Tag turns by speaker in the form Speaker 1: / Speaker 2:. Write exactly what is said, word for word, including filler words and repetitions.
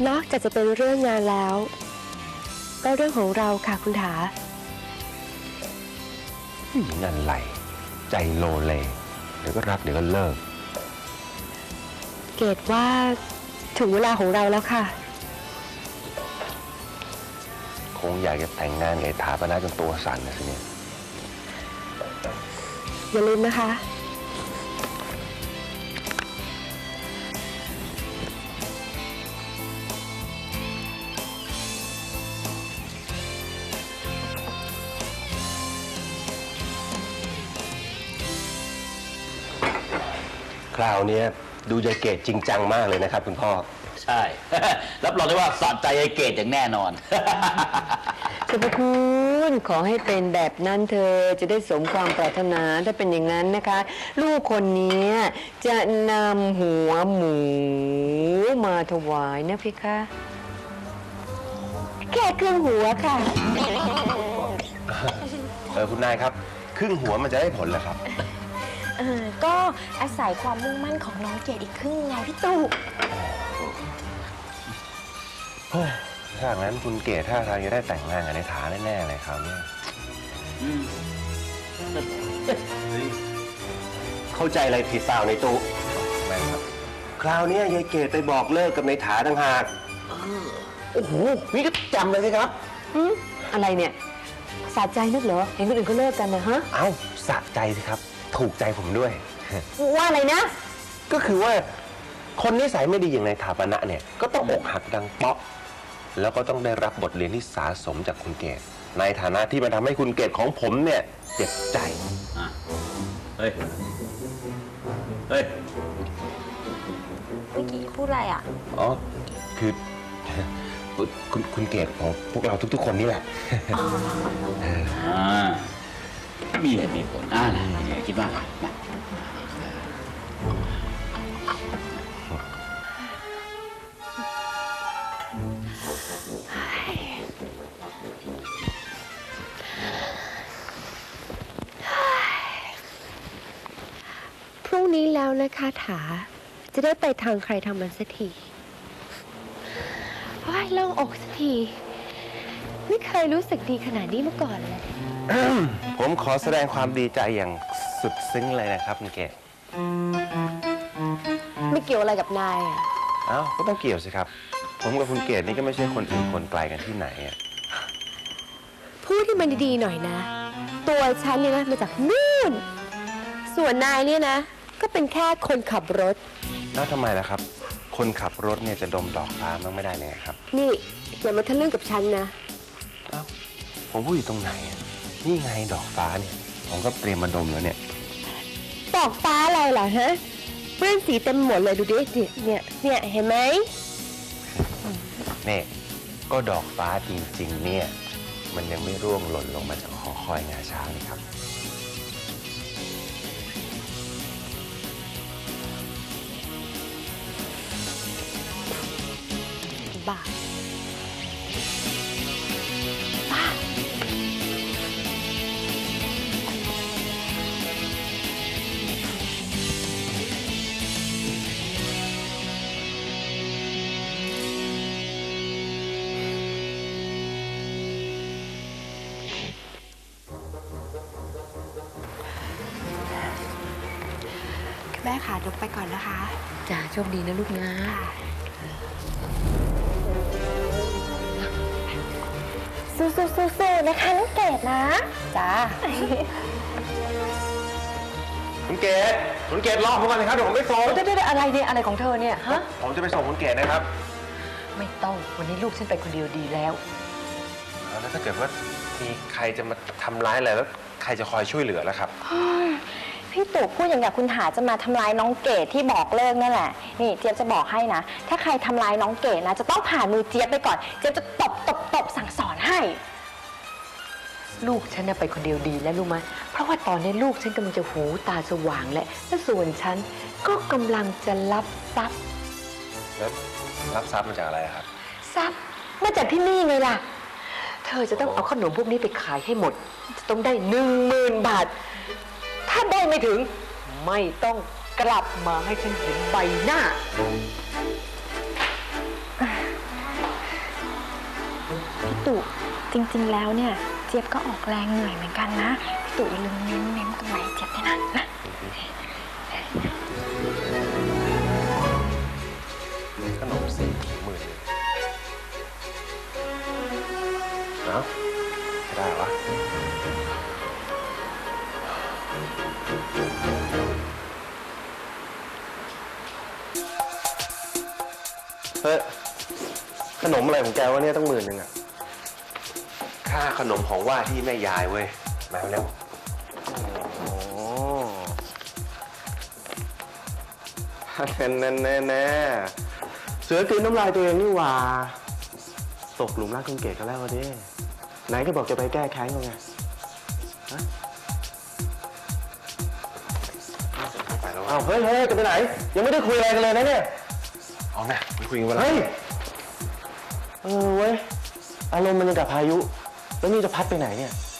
Speaker 1: นอกจากจะเป็นเรื่องงานแล้วก็เรื่องของเราค่ะคุณถา
Speaker 2: นั่นไหลใจโลเลเดี๋ยวก็รักเดี๋ยวก็เลิก
Speaker 1: เกดว่าถึงเวลาของเราแล้วค่ะ
Speaker 2: คงอยากจะแต่งงานกับถาปนาจนตัวสั่นนะสิเนี่ย
Speaker 1: อย่าลืมนะคะ
Speaker 2: คราวนี้ดูยายเกดจริงจังมากเลยนะครับคุณพ่อ
Speaker 3: ใช่ รับรองได้ว่าสะใจยายเกดอย่างแน่นอน
Speaker 4: สุภคุณขอให้เป็นแบบนั้นเธอจะได้สมความปรารถนาถ้าเป็นอย่างนั้นนะคะลูกคนนี้จะนำหัวหมูมาถวายนะพี่คะ
Speaker 1: แค่ครึ่งหัวค่ะ
Speaker 2: เออคุณนายครับครึ่งหัวมันจะได้ผลเหรอครับ
Speaker 5: เออก็อาศัยความมุ่งมั่นของน้องเกดอีกครึ่งไงพี่ตู่
Speaker 2: ถ้าอย่างนั้นคุณเกดถ้าทางจะได้แต่งงานกับในฐานแน่ๆเลยคราวนี้เข้าใจอะไรผิดเปล่าในตู้ไม่ครับคราวนี้ยายเกดไปบอกเลิกกับในฐานต่างหากโอ้โหนี่ก็จำเลยสิครับ
Speaker 4: อะไรเนี่ยสะใจนึกเหรอเห็นคนอื่นเขาเลิกกันนะฮะ
Speaker 2: เอ้าสะใจสิครับถูกใจผมด้วย
Speaker 4: ว่าอะไรนะ
Speaker 2: ก็คือว่าคนนิสัยไม่ดีอย่างในถาปนะเนี่ยก็ต้องอกหักดังเปาะแล้วก็ต้องได้รับบทเรียนที่สาสมจากคุณเกดในฐานะที่มาทำให้คุณเกดของผมเนี่ยเจ็บใจ
Speaker 3: เฮ้ยเฮ้ย
Speaker 5: เมื่อกี้พูดอะไรอ่ะ
Speaker 2: อ๋อคือคุณคุณเกดของพวกเราทุกๆคนนี่แหละ
Speaker 3: มีเหตุมีผลอ่านะคิดว่า
Speaker 1: พรุ่งนี้แล้วนะคะถาจะได้ไปทางใครทางมันสักทีว้ายโล่งอกสักทีไม่เคยรู้สึกดีขนาดนี้มาก่อนเลย
Speaker 2: ผมขอแสดงความดีใจอย่างสุดซึ้งเลยนะครับคุณเกด
Speaker 1: ไม่เกี่ยวอะไรกับนายอ่ะ
Speaker 2: เอ้าก็ต้องเกี่ยวสิครับผมกับคุณเกดนี่ก็ไม่ใช่คนอื่นคนไกลกันที่ไหนอ่ะ
Speaker 1: พูดที่มันดีๆหน่อยนะตัวฉันเนี่ยนะมาจากนู่นส่วนนายเนี่ยนะก็เป็นแค่คนขับรถ
Speaker 2: แล้วทำไมล่ะครับคนขับรถเนี่ยจะดมดอกฟ้ามันไม่ได้เลยครับ
Speaker 1: นี่อย่ามาทะลึ่งกับฉันนะ
Speaker 2: เอ้าผมพูดอยู่ตรงไหนนี่ไงดอกฟ้าเนี่ยผมก็เตรียมมาดมแล้วเนี่ย
Speaker 1: ดอกฟ้าอะไรเหรอฮะเปื้อนสีเต็มหมดเลยดูดิเนี่ยเนี่ยเห็นไหม
Speaker 2: เนี่ยก็ดอกฟ้าจริงๆเนี่ยมันยังไม่ร่วงหล่นลงมาจากหอคอยงาช้างนี่ครับ
Speaker 1: บ้าบ้าแม่ค่ะยกไปก่อนนะคะ
Speaker 4: จ้าโชคดีนะลูกนะ
Speaker 5: สู้ๆๆๆนะคะน้องเกดนะจ้า
Speaker 2: คุณเกดคุณเกดรอผมก่อนนะครับเดี๋ยวผมไปส่ง
Speaker 4: ได้ได้อะไรเนี่ยอะไรของเธอเนี่ยฮะ
Speaker 2: ผมจะไปส่งคุณเกดนะครับ
Speaker 4: ไม่ต้องวันนี้ลูกฉันไปคนเดียวดีแล้ว
Speaker 2: แล้วถ้าเกิดว่ามีใครจะมาทำร้ายอะไรแล้วใครจะคอยช่วยเหลือล่ะครับ
Speaker 5: พี่ตู่พูดอย่างกับคุณหาจะมาทำร้ายน้องเกดที่บอกเลิกนั่นแหละนี่เจี๊ยบจะบอกให้นะถ้าใครทำร้ายน้องเกดนะจะต้องผ่านมือเจี๊ยบไปก่อนเจี๊ยบจะตบตบตบสั่งสอนให้
Speaker 4: ลูกฉันไปคนเดียวดีแล้วรู้ไหมเพราะว่าตอนนี้ลูกฉันกำลังจะหูตาสว่างและและส่วนฉันก็กำลังจะรับทรัพย์
Speaker 2: แล้วรับทรัพย์มาจากอะไรครับ
Speaker 4: ทรัพย์มาจากที่นี่ไงล่ะเธอจะต้องเอาขนมพวกนี้ไปขายให้หมดจะต้องได้หนึ่งหมื่นบาทถ้าได้ไม่ถึงไม่ต้องกลับมาให้ฉันเห็นใบหน้า
Speaker 5: ตู่จริงๆแล้วเนี่ยเจี๊ยบก็ออกแรงเหนื่อยเหมือนกันนะพี่ตู่อย่าลืมเน้นเน้นกำไรเจี๊ยบด้วยนะนะ
Speaker 2: ขนมสี่หมื่นเอ้าไม่ได้วะเฮ้ยขนมอะไรของแกวะเนี่ยต้องหมื่นหนึ่งอะค่าขนมของว่าที่แม่ยายเว้ย มาเร็วโอ้แน่แน่แน่แน่เสือกินน้ำลายตัวเองนี่หว่าตกหลุมรักคนเกศกันแล้วดิไหนก็บอกจะไปแก้แค้นเขาไงฮะไปแล้วอ้าวเฮ้ยเฮ้ยจะไปไหน ยังไม่ได้คุยอะไรกันเลยนะเนี่ยเอานะไปคุยกันวันละเฮ้ยเออเว้ยอารมณ์มันยังกับพายุแล้วนี่จะพัดไปไหนเนี่ย